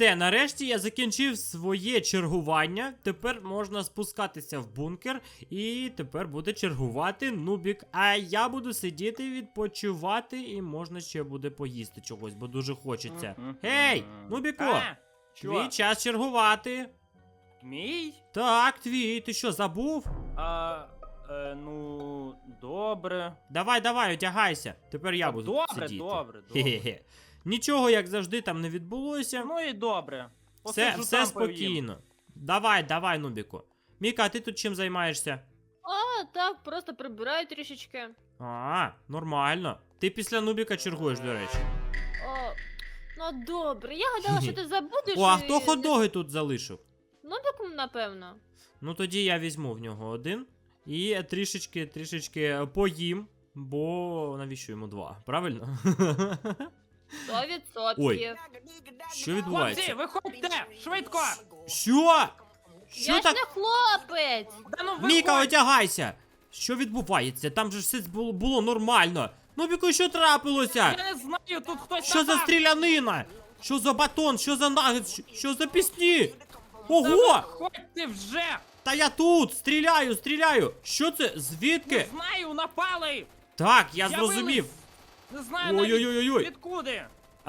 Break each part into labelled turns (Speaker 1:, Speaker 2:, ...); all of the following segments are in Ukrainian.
Speaker 1: Все, нарешті я закінчив своє чергування. Тепер можна спускатися в бункер. І тепер буде чергувати Нубік. А я буду сидіти, відпочивати. І можна ще буде поїсти чогось, бо дуже хочеться. Гей, Нубіку! Твій час чергувати.
Speaker 2: Мій?
Speaker 1: Так, твій. Ти що, забув?
Speaker 2: Ну, добре.
Speaker 1: Давай, одягайся. Тепер я буду сидіти.
Speaker 2: Добре.
Speaker 1: Хе-хе-хе. Нічого, як завжди, там не відбулося.
Speaker 2: Ну і добре.
Speaker 1: Все спокійно. Давай, Нубіку. Міка, а ти тут чим займаєшся?
Speaker 3: Так, просто прибираю трішечки.
Speaker 1: Нормально. Ти після Нубіка чергуєш, до речі.
Speaker 3: Ну добре, я гадала, що ти забудеш.
Speaker 1: А хто хот-доги тут залишив?
Speaker 3: Нубік, напевно.
Speaker 1: Ну тоді я візьму в нього один. І трішечки поїм, бо навіщо йому два, правильно?
Speaker 3: 100%.
Speaker 1: Ой. Що відбувається?
Speaker 2: Хлопці, виходьте! Швидко!
Speaker 1: Що? Що
Speaker 3: Я ж
Speaker 1: так?
Speaker 3: не хлопець.
Speaker 2: Да ну
Speaker 1: Міка,
Speaker 2: виходь!
Speaker 1: одягайся! Що відбувається? Там же все було нормально. Нубіку, що трапилося?
Speaker 2: Я не знаю, тут хтось
Speaker 1: Що за
Speaker 2: напав!
Speaker 1: стрілянина? Що за батон? Що за нагет? Що за пісні?
Speaker 2: Та
Speaker 1: Ого!
Speaker 2: виходьте вже!
Speaker 1: Та я тут! Стріляю! Що це? Звідки?
Speaker 2: Не знаю, напали!
Speaker 1: Так, я
Speaker 2: З'явились.
Speaker 1: зрозумів.
Speaker 2: Не знаю навіть
Speaker 1: Ой-ой-ой-ой.
Speaker 2: відкуди!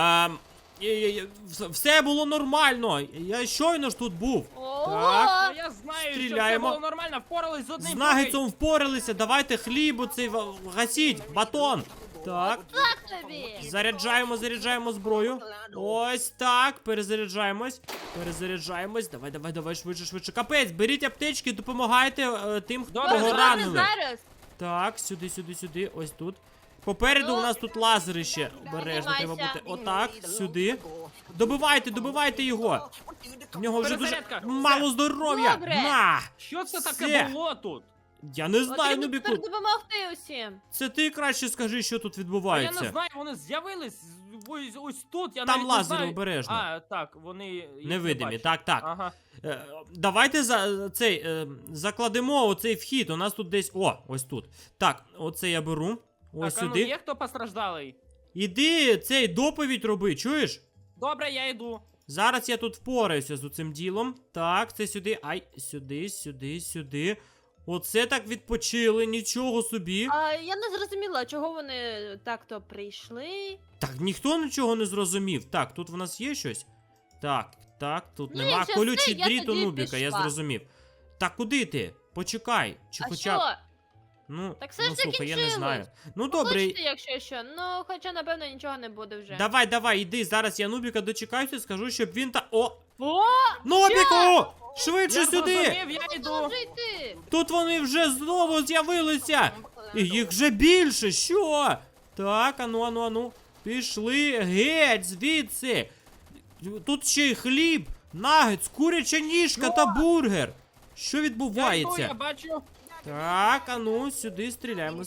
Speaker 1: Все було нормально. Я щойно ж тут був. Так.
Speaker 2: Ну, я знаю,
Speaker 1: Стріляємо.
Speaker 2: що все було нормально, впорались з одним.
Speaker 1: З нагетсом впоралися. Давайте хліб оцей гасіть. Батон. Так.
Speaker 3: Так тобі.
Speaker 1: Заряджаємо зброю. Ось так. Перезаряджаємось. Давай, швидше. Капець, беріть аптечки, допомагайте тим,
Speaker 2: Добре,
Speaker 1: кого
Speaker 2: добре,
Speaker 1: ранили.
Speaker 3: Зараз.
Speaker 1: Так, сюди. Ось тут. Попереду у нас тут лазери ще. Обережно треба
Speaker 3: Піднімайся.
Speaker 1: бути. Отак, сюди. Добивайте його. В нього вже дуже
Speaker 2: Перезарядка.
Speaker 1: мало здоров'я.
Speaker 3: Добре.
Speaker 1: На!
Speaker 2: Що це
Speaker 1: Все.
Speaker 2: таке було тут?
Speaker 1: Я не знаю,
Speaker 3: Потрібно
Speaker 1: Нубіку.
Speaker 3: тепер допомогти усім.
Speaker 1: Це ти краще скажи, що тут
Speaker 2: Я
Speaker 1: відбувається.
Speaker 2: не знаю, вони з'явились ось тут, я
Speaker 1: Там
Speaker 2: навіть не
Speaker 1: лазери,
Speaker 2: знаю.
Speaker 1: обережно.
Speaker 2: Так, вони їх не
Speaker 1: Невидимі,
Speaker 2: бачать.
Speaker 1: так.
Speaker 2: Ага.
Speaker 1: Давайте закладемо оцей вхід. У нас тут десь. Ось тут. Так, оце я беру. Ось
Speaker 2: Так, а ну
Speaker 1: сюди.
Speaker 2: є хто постраждалий?
Speaker 1: Іди цей доповідь роби, чуєш?
Speaker 2: Добре, я йду.
Speaker 1: Зараз я тут впораюся з цим ділом. Так, це сюди. Сюди. Оце так відпочили, нічого собі.
Speaker 3: Я не зрозуміла, чого вони так-то прийшли.
Speaker 1: Так, ніхто нічого не зрозумів. Так, тут в нас є щось? Так, тут
Speaker 3: Ну,
Speaker 1: нема.
Speaker 3: якщо
Speaker 1: Колючий
Speaker 3: все, я
Speaker 1: дріт у
Speaker 3: тоді
Speaker 1: Нубіка, я
Speaker 3: пішла.
Speaker 1: зрозумів. Так, куди ти? Почекай. Чи
Speaker 3: А
Speaker 1: хоча б.
Speaker 3: що?
Speaker 1: Ну,
Speaker 3: Так все ж
Speaker 1: слухай, я не
Speaker 3: закінчилось.
Speaker 1: знаю. Ну добре.
Speaker 3: Хочете, якщо що. Ну, хоча, напевно, нічого не буде вже.
Speaker 1: Давай, іди. Зараз я Нубіка дочекаюся, скажу, щоб він
Speaker 3: О!
Speaker 1: Нубіку! Швидше
Speaker 2: Я
Speaker 1: сюди!
Speaker 2: зрозумів, я йду.
Speaker 3: Вже йти.
Speaker 1: Тут вони вже знову з'явилися! І їх вже більше, що? Так, ану. Пішли геть звідси. Тут ще й хліб, нагетс, куряча ніжка та бургер. Що
Speaker 2: Я
Speaker 1: відбувається?
Speaker 2: йду, я бачу.
Speaker 1: Так, ану, сюди стріляємо.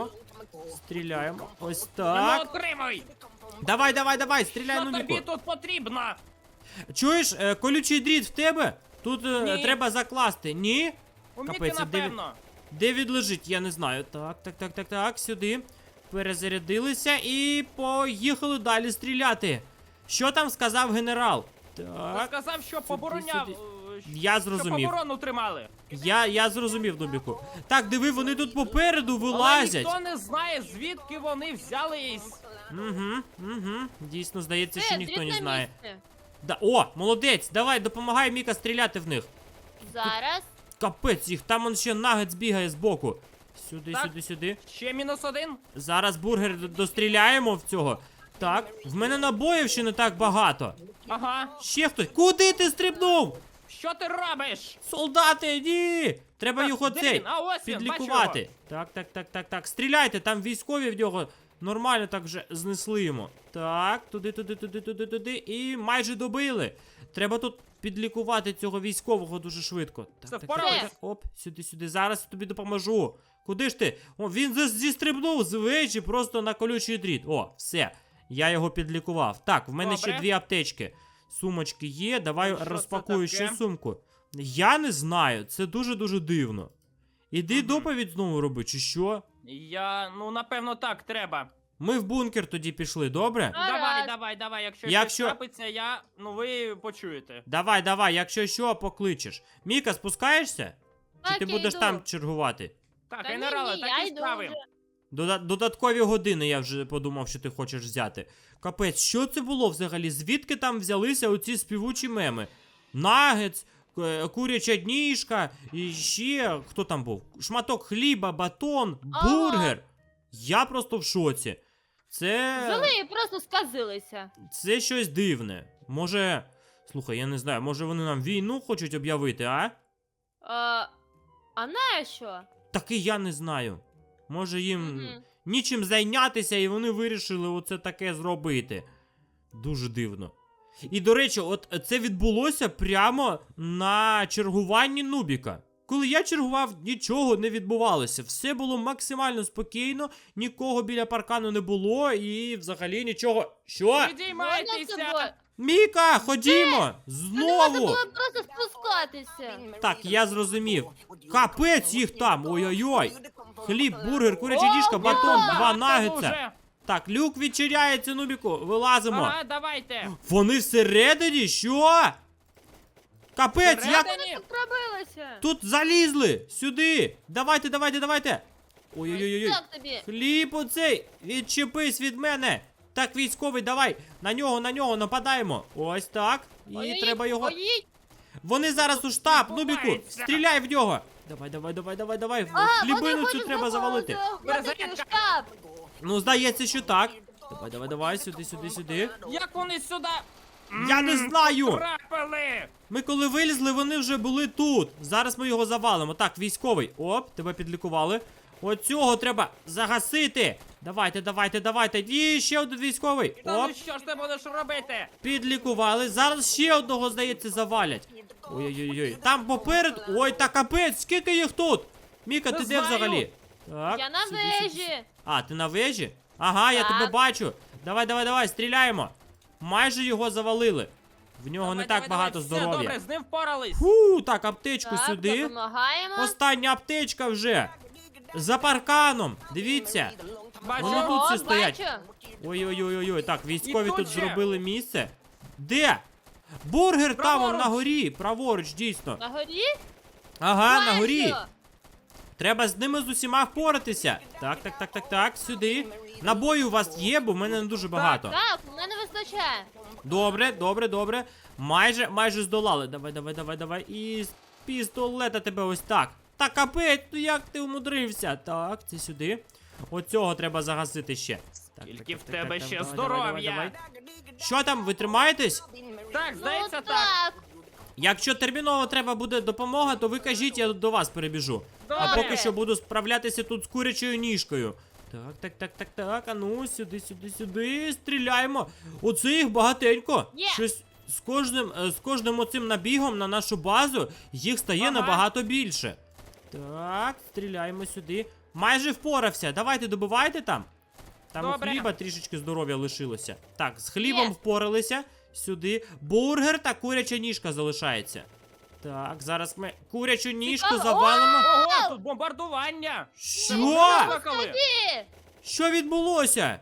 Speaker 1: Ось
Speaker 2: Ну,
Speaker 1: так.
Speaker 2: отримуй.
Speaker 1: Давай, стріляй,
Speaker 2: Що
Speaker 1: Нубіку.
Speaker 2: тобі тут потрібно?
Speaker 1: Чуєш, колючий дріт в тебе? Тут
Speaker 2: Ні.
Speaker 1: треба закласти. Ні?
Speaker 2: У Міки,
Speaker 1: Капець,
Speaker 2: напевно.
Speaker 1: Де він лежить, я не знаю. Так, сюди. Перезарядилися і поїхали далі стріляти. Що там сказав генерал? Так,
Speaker 2: Сказав, що побороняв.
Speaker 1: сюди. Я
Speaker 2: Що
Speaker 1: зрозумів.
Speaker 2: оборону тримали.
Speaker 1: Я зрозумів, Нубіку. Так, диви, вони тут попереду
Speaker 2: Але
Speaker 1: вилазять.
Speaker 2: ніхто не знає, звідки вони взялись.
Speaker 1: Угу. Дійсно, здається, що
Speaker 3: Все,
Speaker 1: ніхто
Speaker 3: дріт
Speaker 1: не
Speaker 3: на
Speaker 1: знає.
Speaker 3: місці.
Speaker 1: О, молодець, давай, допомагай Міка стріляти в них.
Speaker 3: Зараз.
Speaker 1: Капець їх, там он ще нагетс бігає збоку.
Speaker 2: Так.
Speaker 1: Сюди.
Speaker 2: Ще -1.
Speaker 1: Зараз бургер достріляємо в цього. Так, в мене набоїв ще не так багато.
Speaker 2: Ага.
Speaker 1: Ще хтось. Куди ти стрибнув?
Speaker 2: Що ти робиш?
Speaker 1: Солдати, ні! Треба
Speaker 2: Так,
Speaker 1: його
Speaker 2: де
Speaker 1: цей
Speaker 2: він? А ось він,
Speaker 1: підлікувати. Так. Стріляйте, там військові в нього нормально так вже знесли йому. Так, туди. І майже добили. Треба тут підлікувати цього військового дуже швидко.
Speaker 2: Це впорались?
Speaker 1: Оп, сюди. Зараз тобі допоможу. Куди ж ти? О, він зістрибнув з вежі просто на колючий дріт. О, все. Я його підлікував. Так, в мене ще
Speaker 2: Добре.
Speaker 1: 2 аптечки. Сумочки є. Давай
Speaker 2: Що це
Speaker 1: розпакую ще
Speaker 2: таке?
Speaker 1: сумку. Я не знаю, це дуже дивно. Іди доповідь знову роби, чи що?
Speaker 2: Ну напевно так треба.
Speaker 1: Ми в бункер тоді пішли, добре?
Speaker 2: Давай, якщо
Speaker 1: Якщо-
Speaker 2: щось трапиться, ви почуєте.
Speaker 1: Давай, якщо що, покличеш. Міка, спускаєшся? Чи
Speaker 3: Так,
Speaker 1: ти
Speaker 3: я
Speaker 1: будеш
Speaker 3: йду.
Speaker 1: там чергувати?
Speaker 2: Так,
Speaker 3: Та
Speaker 2: генерале,
Speaker 3: ні, я
Speaker 2: такі
Speaker 3: йду
Speaker 2: справи.
Speaker 3: вже.
Speaker 1: Додаткові години я вже подумав, що ти хочеш взяти. Капець, що це було взагалі? Звідки там взялися оці співучі меми? Нагетс, куряча дніжка, і ще хто там був? Шматок хліба, батон,
Speaker 3: Ага.
Speaker 1: бургер. Я просто в шоці.
Speaker 3: Взяли і просто сказилися.
Speaker 1: Це щось дивне. Може. Слухай, я не знаю, може вони нам війну хочуть об'явити, а?
Speaker 3: А на що?
Speaker 1: Так і я не знаю. Може їм
Speaker 3: Мгм.
Speaker 1: нічим зайнятися, і вони вирішили оце таке зробити. Дуже дивно. І, до речі, от це відбулося прямо на чергуванні Нубіка. Коли я чергував, нічого не відбувалося. Все було максимально спокійно, нікого біля паркану не було і взагалі нічого. Що?
Speaker 3: Можна з
Speaker 2: Підіймайтеся!
Speaker 3: тобою?
Speaker 1: Міка, ходімо!
Speaker 3: Можна
Speaker 1: Знову!
Speaker 3: було просто спускатися.
Speaker 1: Так, я зрозумів. Капець їх там! Ой-ой-ой! Хліб, бургер, куряча діжка, батон, два
Speaker 2: Багато
Speaker 1: нагетса.
Speaker 2: дуже.
Speaker 1: Так, люк відчиняється, Нубіку, вилазимо.
Speaker 2: Ага, давайте.
Speaker 1: Вони всередині? Що? Капець, як
Speaker 2: Всередині?
Speaker 3: Тут пробилися.
Speaker 1: тут залізли? Сюди. Давайте. Ой-ой-ой.
Speaker 3: Так тобі.
Speaker 1: Хліб оцей, відчепись від мене. Так, військовий, давай. На нього нападаємо. Ось так. І
Speaker 3: Ой-ой-ой,
Speaker 1: треба його.
Speaker 3: ой-ой.
Speaker 1: Вони зараз у штаб, Нубіку.
Speaker 2: Відбувається.
Speaker 1: Стріляй в нього. Давай. Хлібину цю треба завалити.
Speaker 3: Захватити
Speaker 2: Перезарядка.
Speaker 3: штаб.
Speaker 1: Ну, здається, що так. Давай, сюди.
Speaker 2: Як вони сюди
Speaker 1: Я не знаю.
Speaker 2: трапили?
Speaker 1: Ми коли вилізли, вони вже були тут. Зараз ми його завалимо. Так, військовий. Оп, тебе підлікували. Оцього треба загасити. Давайте. І ще один військовий.
Speaker 2: Та
Speaker 1: Оп,
Speaker 2: ну що ж ти будеш робити?
Speaker 1: підлікували. Зараз ще одного, здається, завалять. Ой. Там попереду. Ой, та капець, скільки їх тут? Міка,
Speaker 2: Не
Speaker 1: ти де
Speaker 2: знаю.
Speaker 1: взагалі? Так,
Speaker 3: Я на
Speaker 1: сюди.
Speaker 3: вежі.
Speaker 1: А, ти на вежі? Ага, я
Speaker 3: Так.
Speaker 1: тебе бачу. Давай, стріляємо. Майже його завалили. В нього не так багато
Speaker 2: Все
Speaker 1: здоров'я.
Speaker 2: добре, з ним впорались.
Speaker 1: Фу, так, аптечку
Speaker 3: Так,
Speaker 1: сюди.
Speaker 3: допомагаємо.
Speaker 1: Остання аптечка вже. За парканом. Дивіться.
Speaker 2: Бачу.
Speaker 1: Вони тут всі
Speaker 3: О,
Speaker 1: стоять.
Speaker 3: бачу.
Speaker 1: Ой. Так, військові
Speaker 2: І
Speaker 1: тут
Speaker 2: тут ще.
Speaker 1: зробили місце. Де? Бургер там, он
Speaker 2: Праворуч.
Speaker 1: на горі. Праворуч, дійсно.
Speaker 3: На горі?
Speaker 1: Ага, на горі.
Speaker 3: Бачу.
Speaker 1: Треба з ними з усіма впоратися. Так, сюди. Набої у вас є, бо в мене не дуже багато.
Speaker 3: Так, у мене вистачає.
Speaker 1: Добре. Майже здолали. Давай. І з пістолета тебе ось так. Та капець, ну як ти умудрився? Так, це сюди. Оцього треба загасити ще. Так,
Speaker 2: Тільки в
Speaker 1: так,
Speaker 2: тебе ще
Speaker 1: давай.
Speaker 2: здоров'я.
Speaker 1: Що там, ви тримаєтесь?
Speaker 2: Так,
Speaker 3: Ну
Speaker 2: здається, так.
Speaker 3: так.
Speaker 1: Якщо терміново треба буде допомога, то ви кажіть, я до вас перебіжу. А
Speaker 2: Добре.
Speaker 1: поки що буду справлятися тут з курячою ніжкою. Так, а ну, сюди, стріляємо. Оце їх багатенько.
Speaker 3: Є.
Speaker 1: Щось з кожним оцим набігом на нашу базу їх стає
Speaker 2: Ага.
Speaker 1: набагато більше. Так, стріляємо сюди. Майже впорався. Давайте добивайте там. Там у
Speaker 2: Добре.
Speaker 1: хліба трішечки здоров'я лишилося. Так, з хлібом
Speaker 3: Є.
Speaker 1: впоралися. Сюди. Бургер та куряча ніжка залишається. Так, зараз ми курячу ніжку
Speaker 3: Цікаво.
Speaker 1: завалимо.
Speaker 2: Ого, тут бомбардування.
Speaker 1: Що?
Speaker 2: Викликали.
Speaker 3: Ті,
Speaker 1: Що відбулося?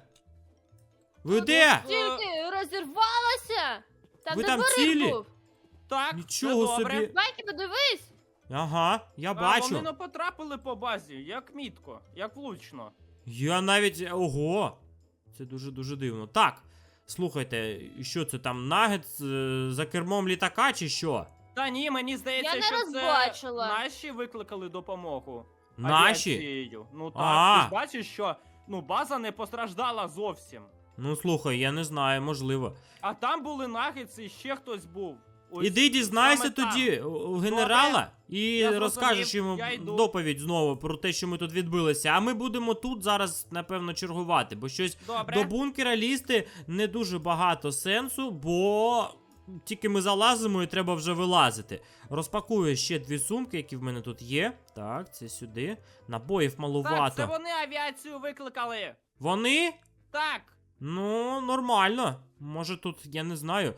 Speaker 1: Ви де?
Speaker 3: тільки розірвалася. Там
Speaker 1: Ви
Speaker 3: де
Speaker 1: там
Speaker 3: горіх
Speaker 1: цілі?
Speaker 3: був.
Speaker 2: Так,
Speaker 1: Нічого
Speaker 2: все добре.
Speaker 1: собі.
Speaker 3: Байки, подивись.
Speaker 1: Ага, я
Speaker 2: А
Speaker 1: бачу.
Speaker 2: вони не потрапили по базі, як мітко, як влучно.
Speaker 1: Я навіть. Ого! Це дуже дивно. Так. Слухайте, що це там, нагетс за кермом літака чи що?
Speaker 2: Та ні, мені здається,
Speaker 3: Я не
Speaker 2: що
Speaker 3: розбачила.
Speaker 2: це наші викликали допомогу.
Speaker 1: Наші?
Speaker 2: Авіацією. Ну так,
Speaker 1: А.
Speaker 2: ти ж бачиш, що база не постраждала зовсім.
Speaker 1: Ну слухай, я не знаю, можливо.
Speaker 2: А там були нагетси і ще хтось був. Ось
Speaker 1: Іди дізнайся
Speaker 2: саме там.
Speaker 1: тоді у генерала і
Speaker 2: Я зрозумів,
Speaker 1: розкажеш йому
Speaker 2: я йду.
Speaker 1: доповідь знову про те, що ми тут відбилися. А ми будемо тут зараз, напевно, чергувати, бо щось
Speaker 2: Добре.
Speaker 1: до бункера лізти не дуже багато сенсу, бо тільки ми залазимо і треба вже вилазити. Розпакую ще 2 сумки, які в мене тут є. Так, це сюди. Набоїв малувато.
Speaker 2: Так, це вони авіацію викликали.
Speaker 1: Вони?
Speaker 2: Так.
Speaker 1: Ну, нормально. Може тут, я не знаю.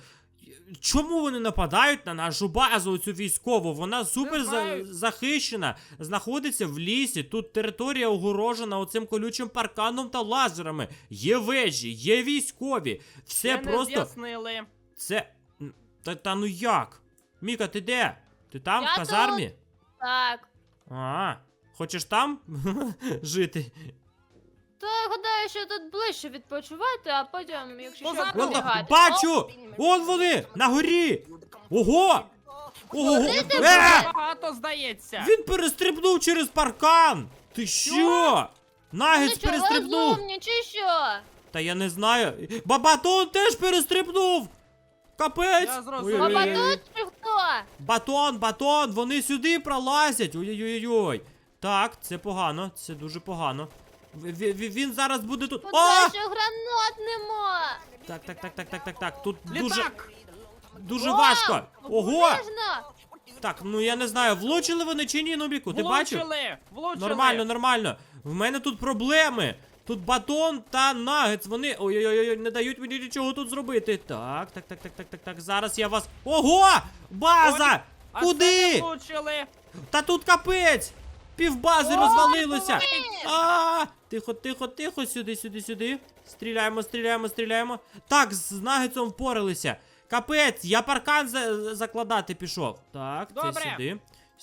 Speaker 1: Чому вони нападають на нашу базу, оцю військову? Вона супер
Speaker 2: знаю.
Speaker 1: захищена, знаходиться в лісі. Тут територія огорожена оцим колючим парканом та лазерами. Є вежі, є військові. Все
Speaker 2: Ще не
Speaker 1: просто.
Speaker 2: з'яснили.
Speaker 1: Це. Та ну як? Міка, ти де? Ти там,
Speaker 3: Я
Speaker 1: в казармі?
Speaker 3: Так.
Speaker 1: Хочеш там жити?
Speaker 3: То я гадаю, що тут ближче відпочивати, а потім, якщо що,
Speaker 2: Позаду.
Speaker 3: пробігати.
Speaker 1: Бачу! Вон вони! На горі! Ого! Ого!
Speaker 3: Куди
Speaker 2: Багато здається.
Speaker 1: Він перестрибнув через паркан! Ти що? Нагетс
Speaker 3: Ну що,
Speaker 1: перестрибнув!
Speaker 3: розумні, чи що?
Speaker 1: Та я не знаю. Батон теж перестрибнув! Капець!
Speaker 2: Я зрозумів.
Speaker 1: Ой-ой-ой.
Speaker 3: Баба тут чи хто?
Speaker 1: Батон, вони сюди пролазять! Ой-ой-ой. Так, це погано, це дуже погано. Він зараз буде тут.
Speaker 3: Тут
Speaker 1: О!
Speaker 3: що гранат нема.
Speaker 1: Так. Тут дуже,
Speaker 2: Літак.
Speaker 1: дуже
Speaker 3: Вау,
Speaker 1: важко. Ого!
Speaker 3: обережно.
Speaker 1: Так, ну я не знаю, влучили вони чи ні, Нубіку, ти бачив?
Speaker 2: Влучили.
Speaker 1: Нормально. В мене тут проблеми. Тут батон та нагетс, вони. Ой-ой-ой, не дають мені нічого тут зробити. Так. Зараз я вас. Ого! База!
Speaker 2: А
Speaker 1: Куди?
Speaker 2: це не влучили.
Speaker 1: Та тут капець! Півбази
Speaker 2: О,
Speaker 1: розвалилося!
Speaker 2: давай!
Speaker 1: Тихо, сюди. Стріляємо. Так, з нагетсом впоралися. Капець, я паркан закладати пішов. Так, це
Speaker 2: Добре.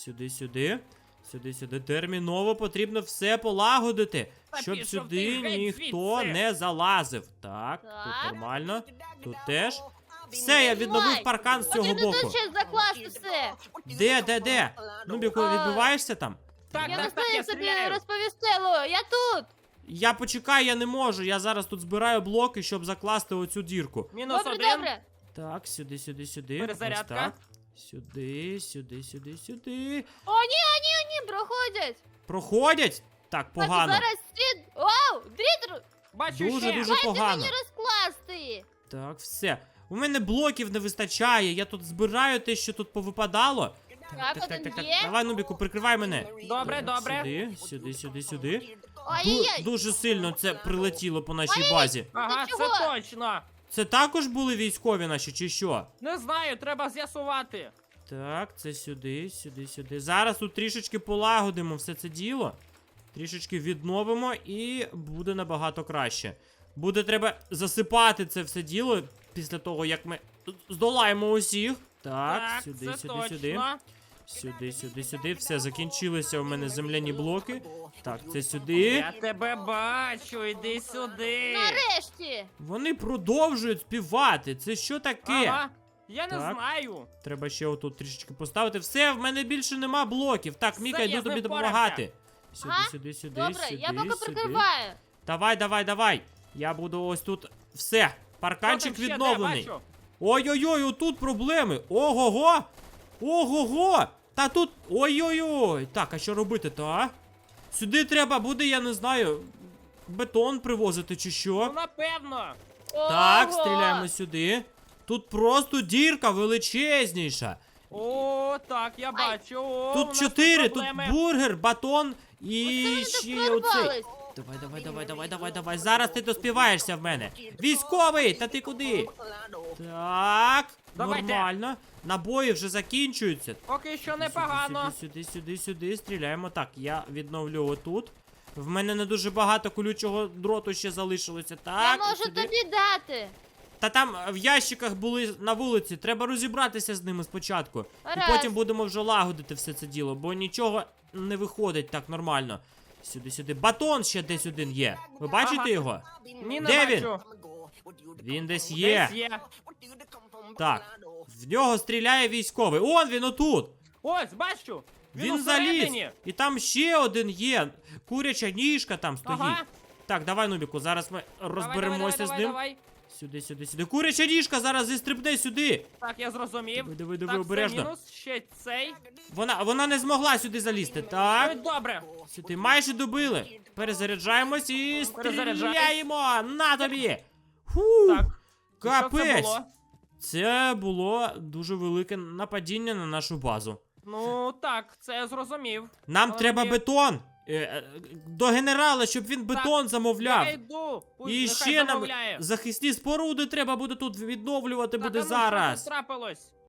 Speaker 1: сюди. Терміново потрібно все полагодити,
Speaker 2: Та
Speaker 1: щоб
Speaker 2: пішов
Speaker 1: сюди
Speaker 2: ти геть
Speaker 1: ніхто
Speaker 2: звідси.
Speaker 1: не залазив. Так, тут
Speaker 3: Так.
Speaker 1: нормально. Тут теж. Все, я відновив
Speaker 3: Тримай.
Speaker 1: паркан з цього
Speaker 3: Потрібно
Speaker 1: боку.
Speaker 3: тут ще закласти все.
Speaker 1: Де? Нубіку,
Speaker 3: А.
Speaker 1: відбиваєшся там?
Speaker 2: Так,
Speaker 3: Я не
Speaker 2: так,
Speaker 3: знаю,
Speaker 2: я
Speaker 3: як тобі
Speaker 2: стріляю.
Speaker 3: розповісти, Ло, я тут.
Speaker 1: Я почекаю, я не можу. Я зараз тут збираю блоки, щоб закласти оцю дірку.
Speaker 2: Мінус
Speaker 3: Добре,
Speaker 2: один.
Speaker 3: добре.
Speaker 1: Так, сюди.
Speaker 2: Перезарядка.
Speaker 1: Ось так. Сюди.
Speaker 3: Ні, проходять.
Speaker 1: Проходять? Так,
Speaker 3: Бачу,
Speaker 1: погано.
Speaker 3: зараз світ. Вау, дріт,
Speaker 2: Бачу
Speaker 1: Дуже
Speaker 2: ще.
Speaker 1: погано.
Speaker 3: мені розкласти.
Speaker 1: Так, все. У мене блоків не вистачає. Я тут збираю те, що тут повипадало.
Speaker 3: Так, один є.
Speaker 1: Давай, Нубіку, прикривай мене.
Speaker 2: Добре,
Speaker 1: Так,
Speaker 2: добре.
Speaker 1: Сюди.
Speaker 3: Ай-яй-яй.
Speaker 1: Дуже сильно це прилетіло по нашій базі.
Speaker 2: Ага,
Speaker 3: Ти
Speaker 2: це
Speaker 3: чого?
Speaker 2: точно.
Speaker 1: Це також були військові наші, чи що?
Speaker 2: Не знаю, треба з'ясувати.
Speaker 1: Так, це сюди. Зараз тут трішечки полагодимо все це діло. Трішечки відновимо і буде набагато краще. Буде треба засипати це все діло після того, як ми здолаємо усіх. Так, сюди.
Speaker 2: це точно.
Speaker 1: Сюди. Все, закінчилися у мене земляні блоки. Так, це сюди.
Speaker 2: Я тебе бачу, іди сюди.
Speaker 3: Нарешті.
Speaker 1: Вони продовжують співати. Це що таке?
Speaker 2: Ага, я не
Speaker 1: Так.
Speaker 2: знаю.
Speaker 1: Треба ще отут трішечки поставити. Все, в мене більше нема блоків. Так, Міка,
Speaker 2: я
Speaker 1: йду
Speaker 2: з ним
Speaker 1: тобі
Speaker 2: впорався.
Speaker 1: допомагати.
Speaker 3: Ага,
Speaker 1: Сюди.
Speaker 3: Добре, я поки
Speaker 1: сюди.
Speaker 3: прикриваю.
Speaker 1: Давай. Я буду ось тут. Все, парканчик
Speaker 2: Що там ще де?
Speaker 1: відновлений.
Speaker 2: Бачу.
Speaker 1: Ой-ой-ой, отут проблеми. Ого-го. Та тут. Ой-ой-ой. Так, а що робити-то, а? Сюди треба буде, я не знаю, бетон привозити чи
Speaker 2: Ну,
Speaker 1: що.
Speaker 2: напевно.
Speaker 1: Так,
Speaker 3: Ого.
Speaker 1: стріляємо сюди. Тут просто дірка величезніша.
Speaker 2: О, так, я бачу. О, у
Speaker 1: Тут
Speaker 2: нас
Speaker 1: 4, тут
Speaker 2: проблеми.
Speaker 1: бургер, батон і
Speaker 3: Оце
Speaker 1: ще
Speaker 3: вони
Speaker 1: є
Speaker 3: так
Speaker 1: оцей.
Speaker 3: прорвались.
Speaker 1: Давай. Зараз ти доспіваєшся в мене. Військовий, та ти куди? Так,
Speaker 2: Давайте.
Speaker 1: нормально. Набої вже закінчуються.
Speaker 2: Поки що непогано.
Speaker 1: Сюди. Стріляємо. Так, я відновлю отут. В мене не дуже багато колючого дроту ще залишилося.
Speaker 3: Я
Speaker 1: Так,
Speaker 3: можу
Speaker 1: сюди.
Speaker 3: тобі дати.
Speaker 1: Та там в ящиках були на вулиці. Треба розібратися з ними спочатку.
Speaker 3: Гаразд.
Speaker 1: І потім будемо вже лагодити все це діло, бо нічого не виходить так нормально. Сюди. Батон ще десь один є. Ви бачите
Speaker 2: Ага.
Speaker 1: його?
Speaker 2: Ні, не
Speaker 1: Де він?
Speaker 2: бачу.
Speaker 1: Він десь є.
Speaker 2: Десь є.
Speaker 1: Так. В нього стріляє військовий. Он він отут.
Speaker 2: Ось, бачу.
Speaker 1: Він заліз.
Speaker 2: усередині.
Speaker 1: І там ще один є. Куряча ніжка там стоїть.
Speaker 2: Ага.
Speaker 1: Так, давай, Нубіку, зараз ми розберемося
Speaker 2: давай,
Speaker 1: з ним.
Speaker 2: Давай.
Speaker 1: Сюди. Куряча ніжка зараз зістрибне сюди.
Speaker 2: Так, я зрозумів.
Speaker 1: Диви,
Speaker 2: Так,
Speaker 1: обережно.
Speaker 2: це мінус, ще цей.
Speaker 1: Вона не змогла сюди залізти. Так.
Speaker 2: Ой, добре.
Speaker 1: Сюди майже добили. Перезаряджаємось і
Speaker 2: Перезаряджаюсь.
Speaker 1: стріляємо. На тобі. Фу.
Speaker 2: Так. Що це
Speaker 1: Капець.
Speaker 2: було?
Speaker 1: Це було дуже велике нападіння на нашу базу.
Speaker 2: Ну, так, це я зрозумів.
Speaker 1: Нам
Speaker 2: Але
Speaker 1: треба
Speaker 2: мені-
Speaker 1: бетон. до генерала, щоб він бетон замовляв.
Speaker 2: Я йду. Пусть
Speaker 1: І
Speaker 2: нехай
Speaker 1: ще нам
Speaker 2: замовляє.
Speaker 1: захисні споруди треба буде тут відновлювати
Speaker 2: Так,
Speaker 1: буде
Speaker 2: а ну,
Speaker 1: зараз.
Speaker 2: Що тут трапилось?